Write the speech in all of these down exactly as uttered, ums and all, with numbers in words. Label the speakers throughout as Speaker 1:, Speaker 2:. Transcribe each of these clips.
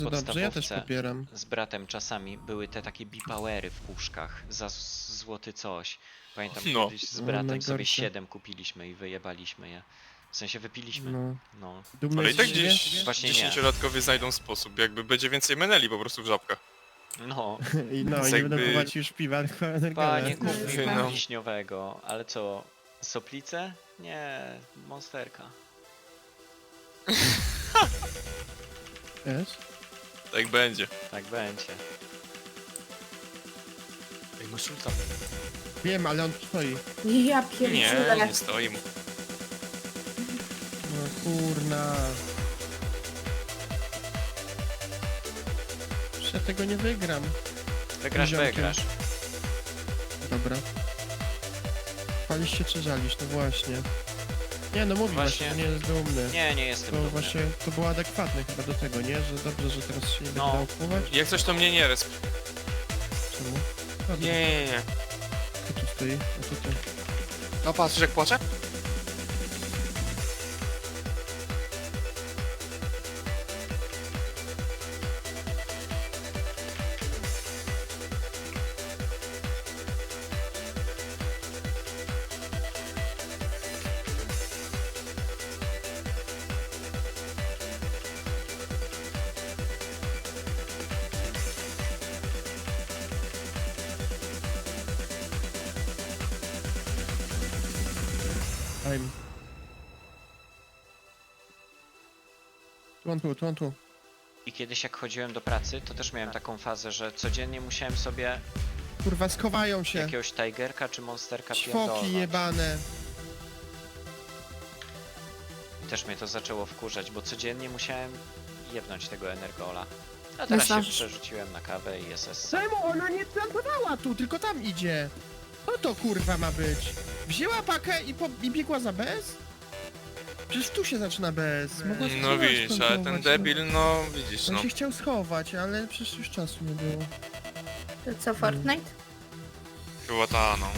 Speaker 1: To dobrze, ja też
Speaker 2: podstawówce
Speaker 1: popieram.
Speaker 2: z bratem czasami były te takie bipowery w puszkach za z- złoty coś. Pamiętam
Speaker 3: No.
Speaker 2: kiedyś z
Speaker 1: No,
Speaker 2: bratem sobie
Speaker 1: najgorsze.
Speaker 2: siedem kupiliśmy i wyjebaliśmy je. W sensie wypiliśmy.
Speaker 1: No.
Speaker 2: No.
Speaker 1: Dumny
Speaker 3: Ale i tak
Speaker 1: z siebie?
Speaker 3: gdzieś
Speaker 2: Właśnie nie.
Speaker 3: dziesięciolatkowie znajdą sposób, jakby będzie więcej meneli po prostu w żabkach.
Speaker 2: No.
Speaker 1: I no,
Speaker 3: Więc
Speaker 1: nie będą
Speaker 3: jakby-
Speaker 1: kupować już piwa, tylko energole.
Speaker 2: Panie, kup mi
Speaker 3: No.
Speaker 2: wiśniowego. Ale co? Soplice? Nie. Monsterka.
Speaker 1: Wiesz?
Speaker 3: Tak będzie.
Speaker 2: Tak będzie.
Speaker 3: Ej, masz ulta.
Speaker 1: Wiem, ale on stoi.
Speaker 4: Ja
Speaker 3: Nie,
Speaker 4: pierdzielę.
Speaker 3: nie stoi mu.
Speaker 1: No kurna. Przecież ja tego nie wygram.
Speaker 2: Wygrasz,
Speaker 1: Ziomkiem.
Speaker 2: wygrasz.
Speaker 1: Dobra. Palisz się czy żalisz? No właśnie. Nie no mówi
Speaker 2: Właśnie.
Speaker 1: właśnie, nie jest dumny.
Speaker 2: Nie, nie jestem
Speaker 1: To
Speaker 2: dumny.
Speaker 1: właśnie, to było adekwatne chyba do tego, nie? Że dobrze, że teraz się nie
Speaker 2: No.
Speaker 1: będzie dało kupować?
Speaker 3: Jak coś to mnie nie resp.
Speaker 1: Czemu? Dobra,
Speaker 3: Nie, nie, nie.
Speaker 1: kto tu stoi? A to ty.
Speaker 3: No patrz, jak płacze?
Speaker 1: Time. Tu on tu, tu on tu.
Speaker 2: I kiedyś jak chodziłem do pracy, to też miałem taką fazę, że codziennie musiałem sobie
Speaker 1: Kurwa, schowają się.
Speaker 2: jakiegoś Tigerka czy Monsterka
Speaker 1: Ćwoki
Speaker 2: pierdolnąć.
Speaker 1: jebane.
Speaker 2: Też mnie to zaczęło wkurzać, bo codziennie musiałem jebnąć tego Energola. A teraz się
Speaker 4: zdążysz.
Speaker 2: przerzuciłem na kawę i S S.
Speaker 1: Czemu ona nie plantowała tu, tylko tam idzie? Co to kurwa ma być? Wzięła pakę i, po, i biegła za bez? Przecież tu się zaczyna bez. Mogła się
Speaker 3: No
Speaker 1: schować,
Speaker 3: widzisz, ale ten
Speaker 1: plantować,
Speaker 3: debil, no widzisz,
Speaker 1: On
Speaker 3: no.
Speaker 1: się chciał schować, ale przecież już czasu nie było.
Speaker 4: To co, Fortnite?
Speaker 3: Chyba ta, no.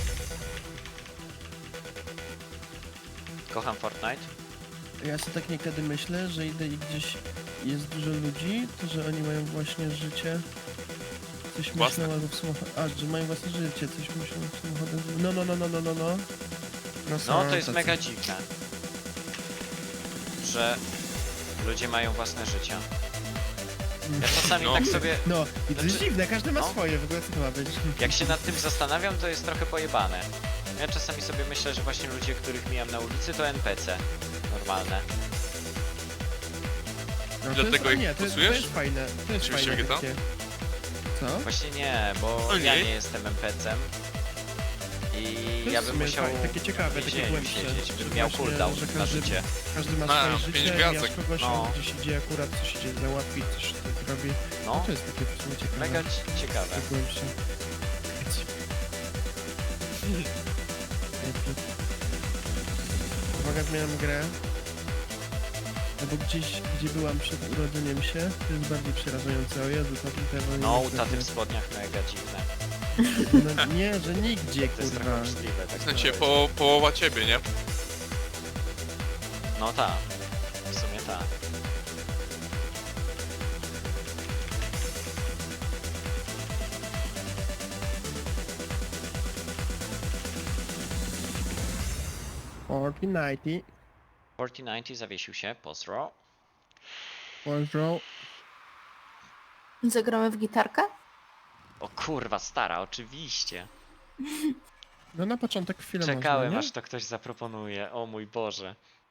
Speaker 2: Kocham Fortnite.
Speaker 1: Ja sobie tak niekiedy myślę, że idę i gdzieś jest dużo ludzi, to że oni mają właśnie życie. Coś
Speaker 3: Własne.
Speaker 1: myślą albo w samochodzie. A, że mają własne życie, coś myślą w samochodem. No, no, no, no, no, no, no. No, są
Speaker 2: No to jest
Speaker 1: tacy.
Speaker 2: mega dziwne, że ludzie mają własne życia. Ja czasami
Speaker 3: No.
Speaker 2: tak sobie,
Speaker 1: No, i to jest
Speaker 2: Znaczy-
Speaker 1: dziwne, każdy ma
Speaker 2: no.
Speaker 1: swoje, w ogóle co to ma być?
Speaker 2: jak się nad tym zastanawiam, to jest trochę pojebane. Ja czasami sobie myślę, że właśnie ludzie, których mijam na ulicy, to N P C. Normalne.
Speaker 1: No, to
Speaker 3: Dlatego
Speaker 1: jest,
Speaker 3: ich
Speaker 1: nie, to, jest- to
Speaker 3: stosujesz?
Speaker 1: jest fajne, to jest
Speaker 3: Oczywiście
Speaker 1: fajne
Speaker 3: G T A?
Speaker 1: takie. Co?
Speaker 2: Właśnie nie, bo
Speaker 3: O
Speaker 2: ja
Speaker 3: nie.
Speaker 2: nie jestem N P C-em. I
Speaker 1: To
Speaker 2: ja
Speaker 1: jest
Speaker 2: bym
Speaker 1: w sumie
Speaker 2: musiał
Speaker 1: fajne, takie ciekawe,
Speaker 2: w
Speaker 1: takie
Speaker 2: więzieniu
Speaker 1: głębsze.
Speaker 2: siedzieć,
Speaker 1: że
Speaker 2: bym miał
Speaker 1: właśnie,
Speaker 2: cooldown
Speaker 1: że
Speaker 2: na
Speaker 1: każdy-
Speaker 2: życie.
Speaker 1: Każdy ma
Speaker 3: A,
Speaker 1: swoje
Speaker 3: pięć
Speaker 1: życie,
Speaker 3: gwiazdek.
Speaker 1: mijasz kogoś,
Speaker 2: No.
Speaker 1: on gdzieś idzie akurat, coś idzie załatwić, coś tak robi. No
Speaker 2: No,
Speaker 1: to jest takie w sumie ciekawe.
Speaker 2: mega ci- ciekawe.
Speaker 1: takie głębsze. Uwaga, zmieniam grę. No bo gdzieś, gdzie byłam przed urodzeniem się, to jest bardziej przerażające. O Jezu, to tutaj...
Speaker 2: No, u taty w spodniach mega dziwne.
Speaker 1: No nie, że nigdzie,
Speaker 2: To jest
Speaker 1: kurwa.
Speaker 2: trochę możliwe. Tak
Speaker 3: W sensie
Speaker 2: to
Speaker 3: po, połowa ciebie, nie?
Speaker 2: No tak, w sumie tak.
Speaker 1: Fortnite,
Speaker 2: czterysta dziewięćdziesiąt zawiesił się, pozdro.
Speaker 1: pozdro.
Speaker 4: Zagramy w gitarkę?
Speaker 2: O kurwa, stara, oczywiście.
Speaker 1: No na początek chwilę
Speaker 2: Czekałem,
Speaker 1: można,
Speaker 2: aż to ktoś zaproponuje. O mój Boże.